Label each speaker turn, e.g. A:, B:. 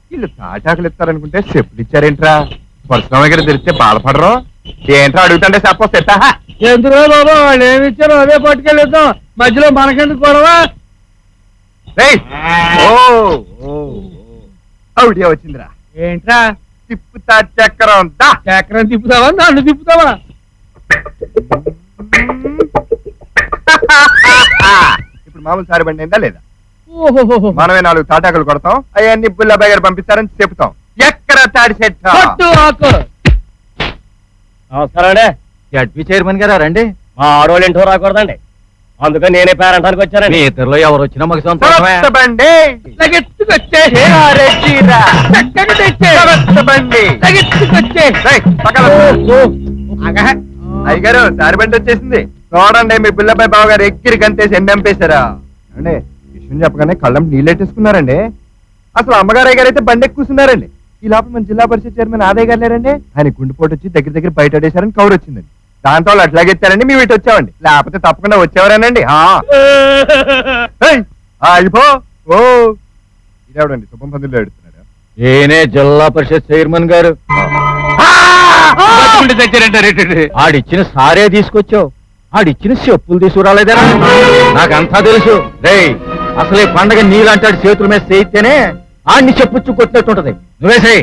A: వీళ్ళు తాటాకులు ఇస్తారనుకుంటే చెప్పులు ఇచ్చారేంట్రా? పరశురామ దగ్గర తెలిస్తే బాధపడరు. ఏంట్రా అడుగుతుంటే చెప్పొస్తే
B: ఎందులో బాబా వాళ్ళు ఏమి ఇచ్చారో అదే పట్టుకెళ్ళిద్దాం. మధ్యలో మనకెందుకు గొడవ?
A: అవుడియా వచ్చిందిరా.
B: ఏంట్రా
A: తిప్పుతా చక్రం దా.
B: చక్రం తిప్పుతావా నన్ను తిప్పుతావా?
A: ఇప్పుడు మామూలు సారి బండి అయిందా లేదా?
B: ఓహో
A: మనమే 4 తాటాకులు కొడతాం, అవన్నీ బుల్లబాయ్ గారు పంపిస్తారని చెప్తాం. ఎక్కడ తాడి చెట్టు?
C: నమస్కారం అండి. జడ్పీ చైర్మన్ గారా రండి. మా ఆడవాళ్ళు ఇంటో రాకూడదండి, అందుకని నేనే పేరంటానికి వచ్చానండి. మీ ఇద్దరులో ఎవరు వచ్చినా మాకు సంతోషమే.
A: బండి అయ్యగారు సారి బండి వచ్చేసింది చూడండి. మీ బుల్లబాయ్ బావ గారు ఎక్కిరి గంతేసి ఎండంపేశారా అండి? విషయం చెప్పగానే కళ్ళం నీళ్ళెట్టేసుకున్నారండి. అసలు అమ్మగారు అయ్య గారు అయితే బండి ఎక్కువ కూర్చున్నారండి. ఈ లోపల మన జిల్లా పరిషత్ చైర్మన్ ఆదయ్య గారు లేరండి. ఆయన గుండెపోటు వచ్చి దగ్గర బయట పడేశారని కౌరు వచ్చిందండి. దాంతో వాళ్ళు అట్లాగెత్తారండి. మేము ఇటు వచ్చామండి, లేకపోతే తప్పకుండా వచ్చేవారేనండి. అయిపో ఓ ఇదేవడండి శుభం పందులు ఎడుతున్నాడు.
C: ఏనే జిల్లా పరిషత్ చైర్మన్ గారు ఆడిచ్చిన సారే తీసుకొచ్చావు, ఆడిచ్చిన చెప్పులు తీసుకురాలేదా? నాకంతా తెలుసు. రే అసలు ఈ పండగ నీలాంటి చేతుల మీద చేయితేనే ఆడిని చెప్పుచ్చు కొట్టినట్టుంటది. నువ్వేసాయి